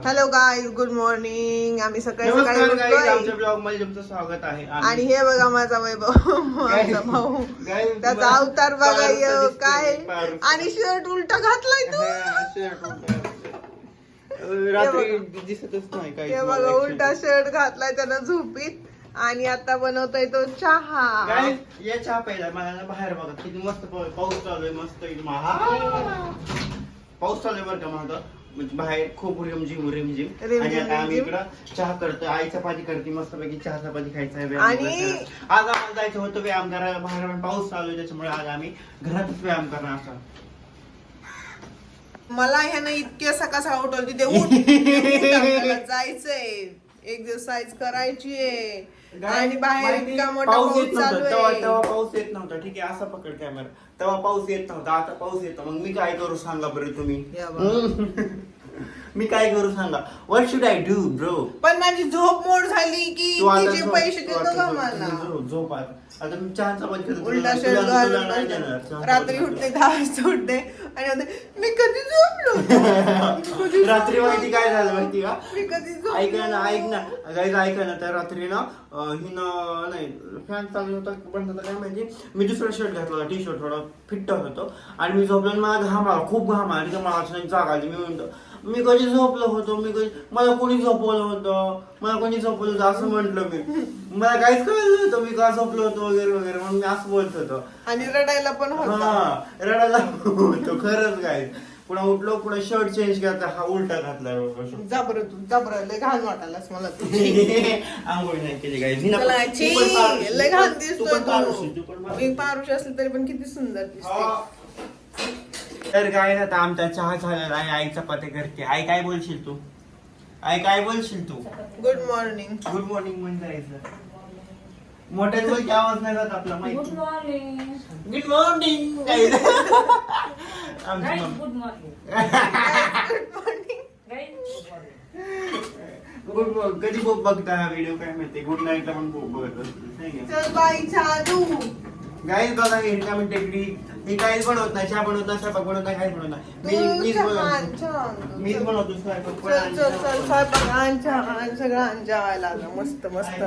Hello guys, good morning. आम्ही सकाळी नमस्कार सकाळी guys, आमच्या उठलोय ब्लॉग मध्ये तुमचं स्वागत आहे. आणि हे बघा माझा वैभव, माझा भाऊ. Guys, त्याचा अवतार बघा पारूचा दिसतोय, काय. पारूचा. आणि शर्ट उलटा घातलाय तू. रात्री दिसतच नाही काही. हे बघा उलटा शर्ट घातलाय त्यानं झोपीत. आणि आता बनवतोय तो चहा. काय या चहा प्यायला मला ना बाहेर बघा किती मस्त पाऊस चालू आहे. मस्त एकदम पाऊस चालू आहे बरं का माझा. म्हणजे बाहेर खूप रिमझिम आणि आता आम्ही इकडं चहा करतोय. आई चपाती करते मस्त पैकी. चहा चपाती खायचा आहे. आणि आज आम्हाला जायचं होतं व्यायाम करायला. बाहेर पण पाऊस चालू आहे त्याच्यामुळे आज आम्ही घरातच व्यायाम करणार असं. मला ह्यानं इतके सकाळ सकाळ उठवली ते उठ जायचंय, एक्सरसाइज करायची आहे. आणि बाहेर इतका मोठा पाऊस चालू आहे. तेव्हा पाऊस येत नव्हता. ठीक आहे असा पकड कॅमेरा. तेव्हा पाऊस येत नव्हता, आता पाऊस येतो. मग मी काय करू सांगा बरं तुम्ही. मी काय करू सांगा. What should I do bro. पण माझी झोप मोड झाली की तिचे पैसे देतो का मला. झोप आता मी चहा चपाती उलटा शर्ट घालून रात्री उठते 10 वाजता उठते आणि म्हणते, मी कधी झोपलो. रात्री माहिती काय झालं माहिती का. मी कधी झोपलो. ऐक ना गाईज ऐका ना. तर रात्री ना हिनं नाही फॅन चालू होता बंद होता काय माहिती. मी दुसरा शर्ट घातला होता, टी शर्ट थोडा फिट्ट होतो. आणि मी झोपलो आणि मला घाम आला, खूप घाम आला. मला अचानक जाग आली. मी म्हणतो मी कधी झोपलो होतो. मला कोणी झोपवलं होतं, मला कोणी झोपवलं होतं असं म्हंटल मी. मला काहीच कळलं नव्हतं मी का झोपलो होतो वगैरे वगैरे म्हणून मी असं बोलत होतो. आणि रडायला पण होतं. हा रडायला होतो खरंच काय. पुन्हा उठलो, पुन्हा शर्ट चेंज केला, हा उलटा घातला. जाबर लय घाण वाटायलास मला तू. आंघोळ नाही केली गाईज. लय घाण दिसतोय तू. मी पारुष असले तरी पण किती सुंदर दिसते. तर काय आता आमचा चहा झालेला आहे. आई चपाती करते. आई काय बोलशील तू. आई काय बोलशील तू. Good morning. गुड मॉर्निंग म्हणजे जायचं. मोठ्याच बोल की आवाज नाही जात आपला माहिती. Good morning. Good morning guys. Good morning. Good morning. कधी बघता हा व्हिडिओ काय माहिती. गुड नाईट ला पण बघत असतो. चल बाई चहा देऊ. गाईज बघा रिकामी टेक्निक. मी काहीच बनवत नाही. चहा बनवत नाही, स्वयंपाक बनवत नाही, काहीच बनवत नाही. मीच बनवतो स्वयंपाक. चल स्वयंपाक आण, चहा आण, सगळं आण जेवायला आलं. मस्त मस्त.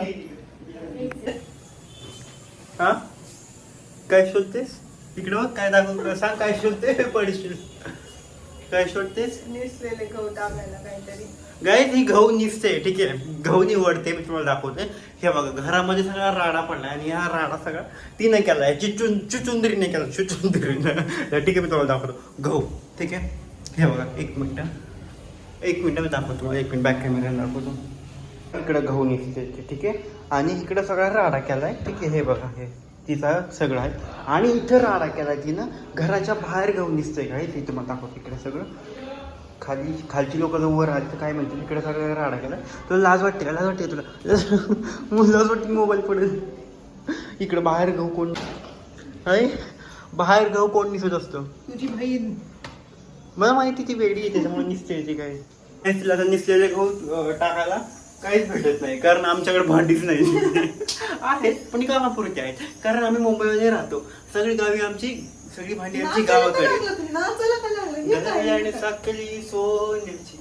हा काय शोधतेस इकडं बघ. काय दाखव सांग काय शोधते. पडशील. काय शोधतेस. निसलेले गहू टाकायला काहीतरी. गाईज ही गहू निसते. ठीक आहे गहू निवडते. मी तुम्हाला दाखवते. हे बघा घरामध्ये सगळा राडा पडला आणि हा राडा सगळा तिने केलाय. चुचुंदरीने केला. चुचुंदरीने. ठीक आहे मी तुम्हाला दाखवतो गहू. ठीक आहे हे बघा. एक मिनिट मी दाखवतो तुम्हाला. 1 मिनिट बॅक कॅमेरा दाखवतो. इकडं गहू निसते. ठीक आहे आणि इकडं सगळा राडा केलाय. ठीक आहे हे बघा हे तिचा सगळं आहे. आणि इथं राडा केलाय तिनं. घराच्या बाहेर गहू निसतंय काय ते तुम्हाला दाखवतो. इकडे सगळं खालची लोक जर वर आली तर काय म्हणते. इकडे सगळं राडा केला. तुला लाज वाटते का. लाज वाटते तुला. लाज वाटते मोबाईल पडेल. इकडं बाहेर गहू कोण आहे. बाहेर गहू कोण निसत असतं. तुझी बहीण. मला माहिती ती वेगळी आहे त्याच्यामुळे निसते ती. काय तिला तर निसलेले गहू टाकायला काहीच भेटत नाही. कारण आमच्याकडे भांडीच नाही. आहेत पण कामापुरती आहेत. कारण आम्ही मुंबईमध्ये राहतो. सगळी गावी आमची सगळी भांडी आमची गावाकडे. साखली सोन्याची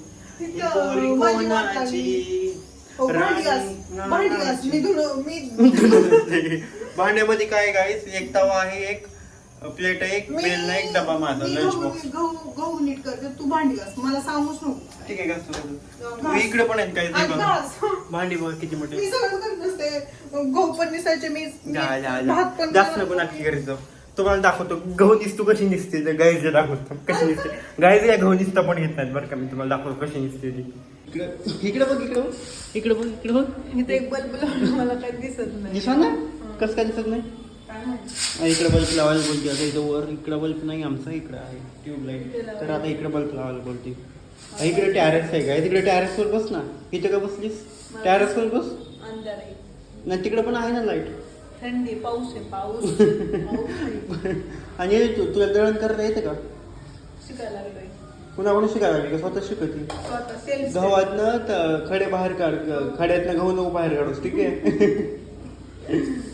भांड्यामध्ये काय गाईस. एक तवा आहे, एक प्लेट आहे, एक बेल नाही, एक डबा माझा लंच बॉक्स. गहू नीट करते तू. भांडी घास मला सांगूच नको. ठीक आहे का. इकडे पण आहेत काही भांडी बघ किती मोठे. मी सगळं करत नसते. गहू पण निसायचे. मी भात पण जास्त नको नाटकी करीत जाऊ. तुम्हाला दाखवतो गहू दिसतो कशी निसते. गाईज दाखवतो कशी निसते. गाईज या गहू निसता पण घेत नाहीत बरं का. मी तुम्हाला दाखवतो कशी निसते ती. इकडे बघ इकडे बघ इकडे बघ इकडे बघ. इथे एक बल्ब लावून मला काही दिसत नाही. दिसत ना कसं काय दिसत नाही. इकडे बल्ब लावायला बोलते. आता इथं वर इकडे बल्ब नाही आमचा. इकडे आहे ट्यूबलाईट. तर आता इकडे बल्ब लावायला बोलते. इकडे टॅरेस आहे काय. तिकडे टॅरेसवर बस ना. इथे का बसलीस. टॅरेसवर बस. नाही तिकडे पण आहे ना लाईट. थंडी पाऊस आहे पाऊस. आणि तुला दळण करता येते का. शिकायला लागलोय. पुन्हा कोणी शिकायला लागली का. स्वतः शिकते. गव्हातनं खडे बाहेर काढ. खड्यातनं गहू नको बाहेर काढूस. ठीक आहे.